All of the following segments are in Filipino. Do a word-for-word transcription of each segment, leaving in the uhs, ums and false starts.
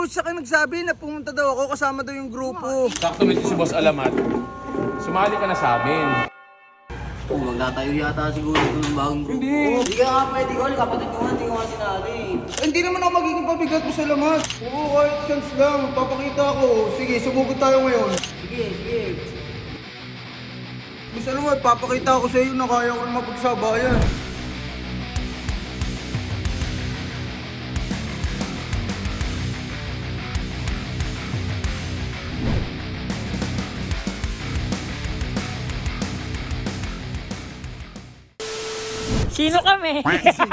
Coach Sak ang nagsabi na pumunta daw ako, kasama daw yung grupo. Sakto nito si Boss Alamat. Sumali ka na sa amin. Oh, magtatayo yata siguro ng bagong grupo. Hindi. Hindi ka nga pwede, Gol. Kapatid ko nga, hindi ko nga sinali. Eh, hindi naman ako magiging pabigat mo sa lamat. Oo, kahit chance lang. Papakita ako. Sige, sumugod tayo ngayon. Sige, sige. Gusto naman, papakita ako sa iyo na kaya ko rin mapagsabayan. Sino kami?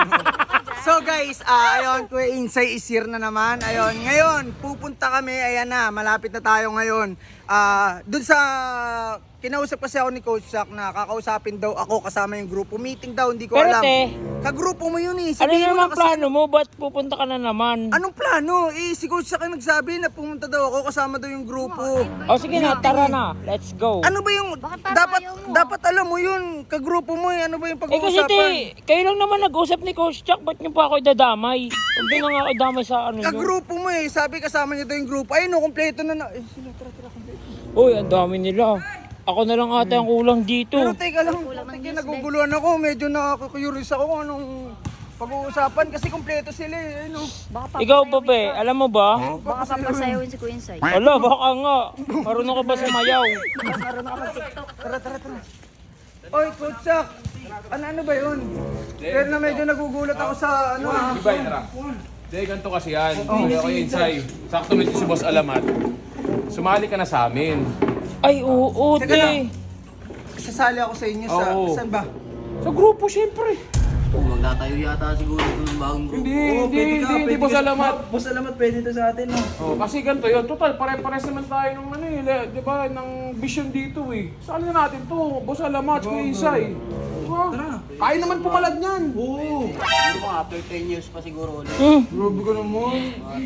So guys, ah ayun, Kuya Insay is here na naman. Ayun, ngayon, pupunta kami. Ayan na, malapit na tayo ngayon. Ah, dun sa kinausap kasi ako ni Coach Sak na kakausapin daw ako kasama yung grupo. Meeting daw, hindi ko Pero alam. te, Kagrupo mo yun eh. ano Sabihin mo naman na kasi- plano mo? Ba't pupunta ka na naman? Anong plano? Eh, si Coach Sak ang nagsabi na pumunta daw ako kasama daw yung grupo. O sige na, tara na. Let's go. Ano ba yung Bakit parang dapat ayaw mo? dapat alam mo yun, kagrupo mo eh. Ano ba yung Eh kasi pag-uusapan? te, kayo lang naman nag-usap ni Coach Chuck. Ba't niyo pa ako idadamay? Hindi na nga ako idamay sa ano nyo. Kagrupo mo eh. Sabi kasama niya daw yung grupo. Ayun, no, kompleto na na. Eh, sila, tara, tara, kompleto. Uy, ang dami nila. Ako na lang ata ang kulang dito. Pero teka lang, Kulang ng teka, news, naguguluhan ako. Medyo nakaka-curious ako kung anong pag-uusapan kasi kompleto sila eh. Ayun, no. Baka Ikaw ba be? Alam mo ba? Baka papasayawin si Kuya Insay. Ala, baka nga. Marunong ka ba sumayaw? Marunong ka mag-tiktok. Tara, tara, tara. Oy, Coach Sak. Ano, ano ba yun? Pero na medyo nagugulat ako sa ano ah. Di ba, tara? Hindi, ganito kasi yan. Hindi ako Insay. Sakto nito si Boss Alamat. Sumali ka na sa amin. Ay, oo, Teka lang. te. Sasali ako sa inyo sa... Oo. Saan ba? Sa grupo, syempre. Oh, magtatayo yata siguro ng bagong grupo. Hindi, hindi, hindi, hindi, Boss Alamat. Boss Alamat, pwede to sa atin, no? Oh, kasi ganito yun. Total, pare-pares naman tayo ng ano eh, le- di ba, ng vision dito eh. Saan na natin to? Boss Alamat, Kuya Insay. Diba? Kaya naman pumalad niyan. Oo. Siguro mga after ten years pa siguro ulit. Hmm. Grabe ka naman.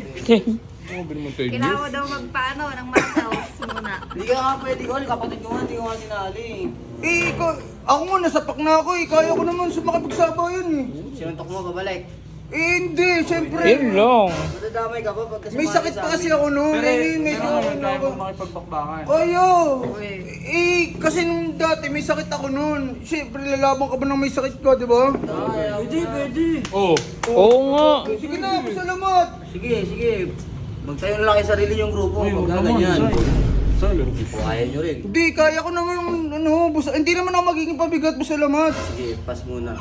Grabe naman tayo. Kailangan daw magpaano ng masawas muna. Hindi ka nga pwede, Gol. Kapatid ko nga, hindi ko nga sinali. Eh, ikaw, ako nga, nasapak na ako eh. Kaya ko naman sumakapagsabayan eh. Sinuntok mo, babalik. Eh, hindi, syempre. Yun lang. Madadamay ka pa pagka May sumali sakit sa pa kasi amin. ako noon. Eh, medyo ano ako. makipagbakbakan. Kaya. Eh, kasi nung dati may sakit ako noon. Siyempre, lalaban ka ba ng may sakit ka, di ba? Pwede, pwede. Oo. Oo nga. Sige na, salamat. Sige, sige. Magtayo na lang kayo sarili yung grupo. Pagka ganyan. Kung kaya nyo rin. Hindi, kaya ko naman, ano, busa, hindi naman ako magiging pabigat mo salamat. Sige, pass muna.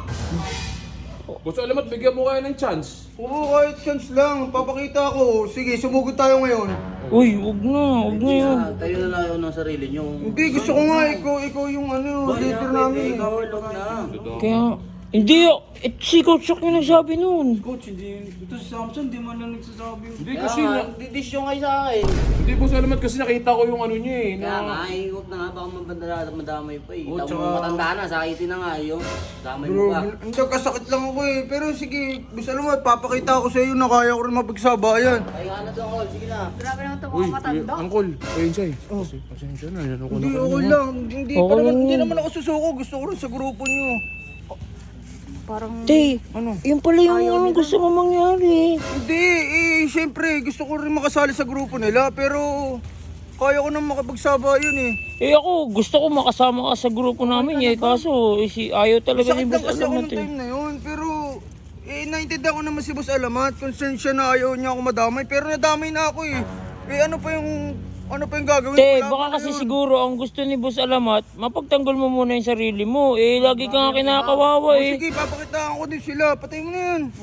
Boss Alamat, bigyan mo kayo ng chance. Oo, kahit chance lang. Papakita ako. Sige, sumugod tayo ngayon. Uy, wag na, wag na yun. Ah, tayo na lang yun ng sarili nyo. Hindi, gusto ko nga, ikaw, ikaw yung ano, leader namin. Ikaw, wag na. Kaya, hindi, eh, si Coach Chuck yung nagsabi nun. Coach, hindi, ito si Samson, di man lang nagsasabi. Hindi Kaya kasi, nga, na, didisyon kayo sa akin. hindi Boss Alamat kasi nakita ko yung ano niya eh. Kaya Na, nga, eh, huwag na nga, baka mabandala, madamay pa eh. Oo, Tama tsaka- mo matanda na, sakitin na nga yung damay mo pa. Bro, hindi, kasakit lang ako eh. Pero sige, gusto naman, papakita ko sa iyo na kaya ko rin mapagsabayan. Kaya nga na doon, Col. Sige na. Grabe naman ito uy, mga matanda. Uncle, Kuya Insay. Oh. Pasensya na, yan ako Hindi, na okay lang. Hindi, pa Okay naman, lang hindi yun. naman ako susuko. Gusto ko rin sa grupo niyo. Parang Te, Ano? yun pala yung ano gusto mo mangyari. Hindi, eh, syempre, gusto ko rin makasali sa grupo nila. Pero, kaya ko nang makapagsabayan eh. Eh ako, gusto ko makasama ka sa grupo namin eh. Kaso, eh, si ayaw talaga Sakit ni lang Boss kasi ako Alamat nung eh. time na yun. Pero, eh, naintindihan ko naman si Boss Alamat. Concerned siya na ayaw niya ako madamay. Pero nadamay na ako eh. Eh, ano pa yung, ano pa yung gagawin? Te, Wala baka pa na kasi yun. siguro ang gusto ni Boss Alamat, mapagtanggol mo muna yung sarili mo. Eh, lagi ka nga kinakawawa Oh, eh. sige, papakitaan ko din sila. Patay mo na yan.